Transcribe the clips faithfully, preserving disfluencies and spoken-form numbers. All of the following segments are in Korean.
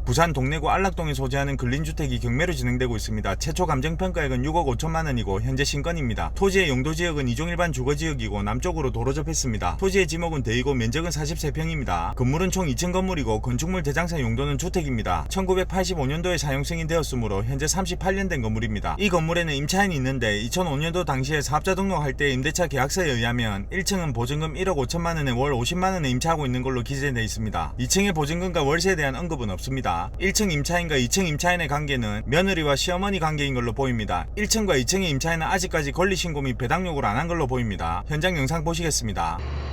부산 동래구 안락동에 소재하는 근린주택이 경매로 진행되고 있습니다. 최초 감정평가액은 육억 오천만 원이고 현재 신건입니다. 토지의 용도지역은 이종일반 주거지역이고 남쪽으로 도로 접했습니다. 토지의 지목은 대이고 면적은 사십삼 평입니다. 건물은 총 이 층 건물이고 건축물 대장사 용도는 주택입니다. 천구백팔십오 년도에 사용 승인되었으므로 현재 삼십팔 년 된 건물입니다. 이 건물에는 임차인이 있는데 이천오 년도 당시에 사업자 등록할 때 임대차 계약서에 의하면 일 층은 보증금 일억 오천만 원에 월 오십만 원에 임차하고 있는 걸로 기재되어 있습니다. 이 층의 보증금과 월세에 대한 언급은 없습니다. 일 층 임차인과 이 층 임차인의 관계는 며느리와 시어머니 관계인 걸로 보입니다. 일 층과 이 층의 임차인은 아직까지 권리신고 및 배당 요구를 안 한 걸로 보입니다. 현장 영상 보시겠습니다.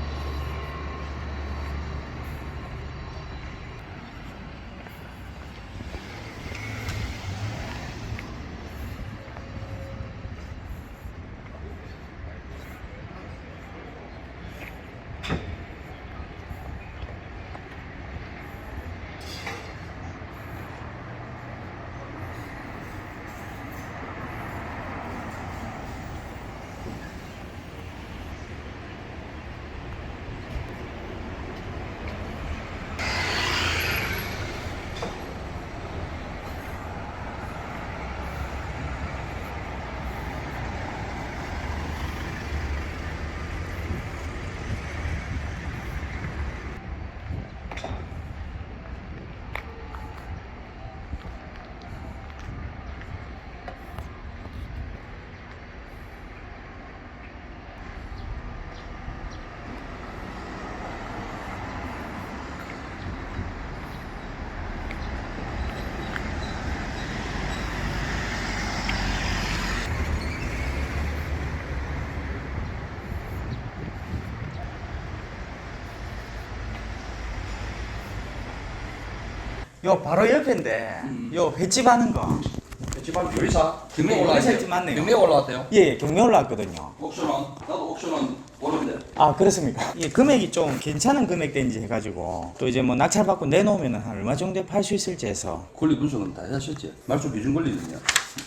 요 바로 옆인데 음. 요 횟집 하는 거. 집안 요리사 경매 네, 올라왔대요. 요리사 집 맞네요. 경매 올라왔대요. 예, 경매 올라왔거든요. 옥션원 나도 옥션원 모르는데. 아, 그렇습니까? 예, 금액이 좀 괜찮은 금액대인지 해가지고 또 이제 뭐 낙찰 받고 내놓으면 한 얼마 정도에 팔 수 있을지 해서 권리 분석은 다 하셨지? 말소 기준 권리는요?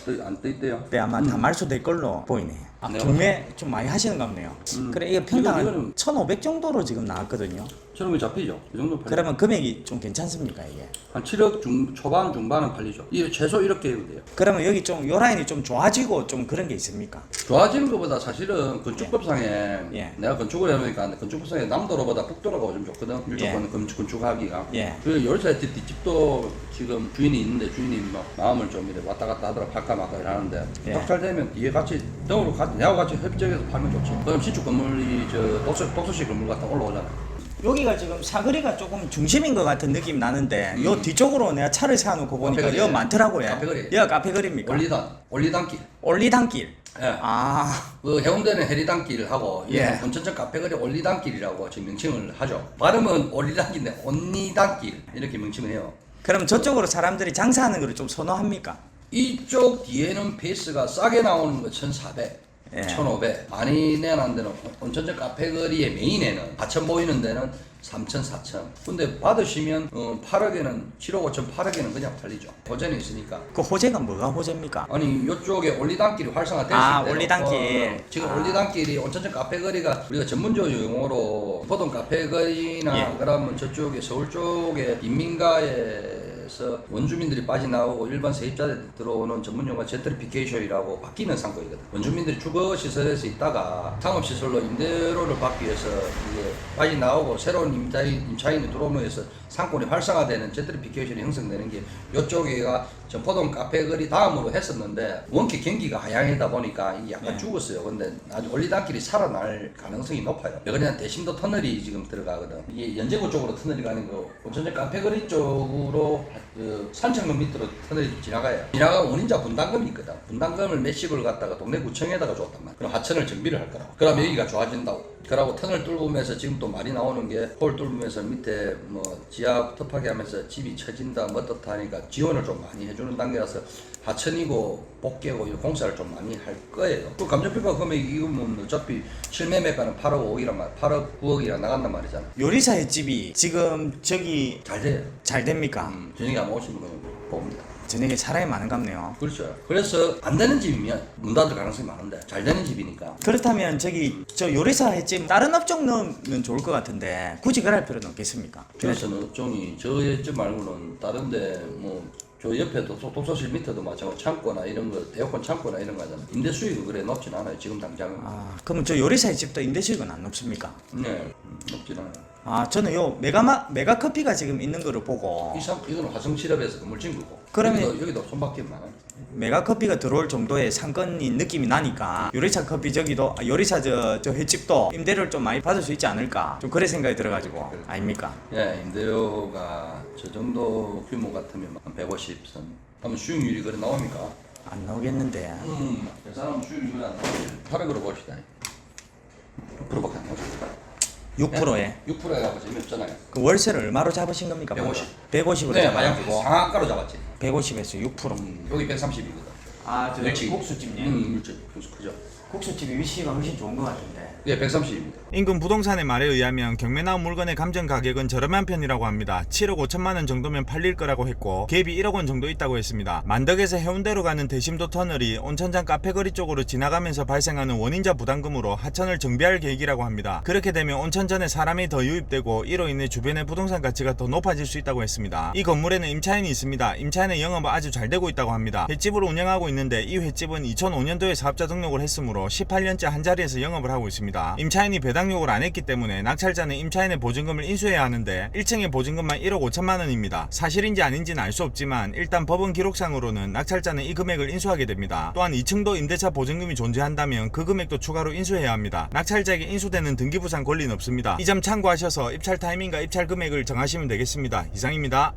안 떠있대요. 그때 아마 다 말소될 걸로 보이네. 아, 네, 경매 좀 많이 하시는 것 같네요. 음. 그래, 이게 평당 이거는- 한 천오백 정도로 지금 나왔거든요. 저런 거 잡히죠? 이 정도 팔리죠? 그러면 금액이 좀 괜찮습니까, 이게? 한 칠억 중, 초반 중반은 팔리죠. 이게 최소 이렇게 해도 돼요. 그러면 여기 좀 요 라인이 좀 좋아지고 좀 그런 게 있습니까? 좋아지는 것보다 사실은 건축법상에 예. 내가 건축을 해보니까 건축법상에 남도로보다 북도로가 좀 좋거든. 일조권 건축, 건축하기가. 예. 그 열차 뒷집도 지금 주인이 있는데 주인이 막 마음을 좀 이렇게 왔다 갔다 하더라 팔까 말까 이러는데 예. 딱 잘 되면 뒤에 같이 등으로 같이 내하고 같이 협정해서 팔면 좋지. 그럼 신축 건물이 저 독서, 독서실 건물 같은 거 올라오잖아. 여기가 지금 사거리가 조금 중심인 것 같은 느낌이 나는데 음. 요 뒤쪽으로 내가 차를 세워놓고 보니까 카페거리. 여 많더라고요. 카페거리. 여기가 카페거리입니까? 올리단, 올리단길. 올리단길. 예. 아, 그 해운대는 해리단길하고 예. 본천천 카페거리 올리단길이라고 지금 명칭을 하죠. 발음은 올리단길인데 온리단길 이렇게 명칭을 해요. 그럼 저쪽으로 사람들이 장사하는 걸 좀 선호합니까? 이쪽 뒤에는 베이스가 싸게 나오는 거 천사백, 예. 천오백, 많이 내는 데는 온천천 카페거리의 메인에는 사천 보이는 데는 삼천, 사천. 근데 받으시면 어, 팔억에는 칠억 오천, 팔억에는 그냥 팔리죠. 호재는 있으니까. 그 호재가 뭐가 호재입니까? 아니 이쪽에 올리단길이 활성화될 아, 수 있대요. 올리단길. 어, 지금 아. 올리단길이 온천천 카페거리가 우리가 전문적으로 용어로 보통 카페거리나 예. 그러면 저쪽에 서울 쪽에 인민가에서 원주민들이 빠져나오고 일반 세입자들 들어오는 전문 용어 젠트리피케이션이라고 바뀌는 상권이거든. 원주민들이 주거 시설에서 있다가 상업 시설로 임대료를 받기 위해서 이제 빠져나오고 새로운 임차인, 임차인이 들어오면서 상권이 활성화되는 젠트리피케이션이 형성되는 게 이쪽에가 전포동 카페거리 다음으로 했었는데 원격 경기가 하향이다 보니까 이게 약간 네. 죽었어요. 근데 아주 올리단길이 살아날 가능성이 높아요. 왜냐면 대심도 터널이 지금 들어가거든. 이게 연제구 쪽으로 터널이 가는 거 온천천 카페거리 쪽으로 그 산책로 밑으로 터널이 지나가요. 지나가면 원인자 분담금이 있거든. 분담금을 몇십을 갖다가 동네 구청에다가 줬단 말이야. 그럼 하천을 정비를 할 거라고. 그럼 여기가 좋아진다고. 그러고 터널 뚫으면서 지금 또 말이 나오는 게 홀 뚫으면서 밑에 뭐 지하 터파게 하면서 집이 처진다 뭐 어떻다 하니까 지원을 좀 많이 해주는 단계라서 하천이고 복개고 이 공사를 좀 많이 할 거예요. 그 감정평가 금액이 이거면 어차피 실매매가는 팔억 오억이란 말, 팔억 구억이랑 나간단 말이잖아. 요리사 횟집이 지금 저기 잘 돼요. 잘 됩니까? 음, 저녁에 한번 오시면 봅니다. 저녁에 사람이 많은갑네요. 그렇죠. 그래서 안 되는 집이면 문 닫을 가능성이 많은데 잘 되는 집이니까. 그렇다면 저기 저 요리사 횟집 다른 업종 넣으면 좋을 것 같은데 굳이 그럴 필요는 없겠습니까? 그래서는 업종이 저희 집 말고는 다른데 뭐 저 옆에도 소- 독서실 밑에도 마찬가지로 창고나 이런 거 에어컨 창고나 이런 거 하잖아요. 임대 수익은 그래 높진 않아요. 지금 당장은. 아, 그러면 저 요리사 횟집도 임대 수익은 안 높습니까? 네, 음, 높진 않아요. 아, 저는 요 메가마 메가 커피가 지금 있는 거를 보고 이 상, 이거는 화성실업에서 건물 진 거고. 그러면- 여기도, 여기도 손바퀴 많아요. 메가 커피가 들어올 정도의 상권인 느낌이 나니까 요리사 커피 저기도 아, 요리사 저, 저 횟집도 임대료를 좀 많이 받을 수 있지 않을까 좀 그래 생각이 들어가지고 아닙니까? 예, 임대료가 저 정도 규모 같으면 한 백오십 선. 그러면 수익률이 그래 나옵니까? 안 나오겠는데 음, 그 사람 수익률이 그래 안 나오지. 팔억으로 봅시다. 육 퍼센트밖에 안 나오죠. 육 퍼센트에 육 퍼센트 해가고 재미없잖아요. 그 월세를 얼마로 잡으신 겁니까? 백오십. 백오십으로 네, 만약 잡아가지고 상한가로 잡았지. 백오십에서 육 퍼센트. 음, 여기 백삼십이거든. 아, 저 멸치. 국수집님. 음, 멸치. 국수 크죠. 국수집이 위치가 훨씬 좋은 것 같은데. 예, 백삼십입니다. 인근 부동산의 말에 의하면 경매 나온 물건의 감정 가격은 저렴한 편이라고 합니다. 칠억 오천만 원 정도면 팔릴 거라고 했고 갭이 일억 원 정도 있다고 했습니다. 만덕에서 해운대로 가는 대심도 터널이 온천장 카페거리 쪽으로 지나가면서 발생하는 원인자 부담금으로 하천을 정비할 계획이라고 합니다. 그렇게 되면 온천전에 사람이 더 유입되고 이로 인해 주변의 부동산 가치가 더 높아질 수 있다고 했습니다. 이 건물에는 임차인이 있습니다. 임차인의 영업은 아주 잘 되고 있다고 합니다. 횟집을 운영하고 있는데 이 횟집은 이천오 년도에 사업자 등록을 했으므로 십팔 년째 한자리에서 영업을 하고 있습니다. 임차인이 배당요구를 안 했기 때문에 낙찰자는 임차인의 보증금을 인수해야 하는데 일 층의 보증금만 일억 오천만 원입니다. 사실인지 아닌지는 알 수 없지만 일단 법원 기록상으로는 낙찰자는 이 금액을 인수하게 됩니다. 또한 이 층도 임대차 보증금이 존재한다면 그 금액도 추가로 인수해야 합니다. 낙찰자에게 인수되는 등기부상 권리는 없습니다. 이 점 참고하셔서 입찰 타이밍과 입찰 금액을 정하시면 되겠습니다. 이상입니다.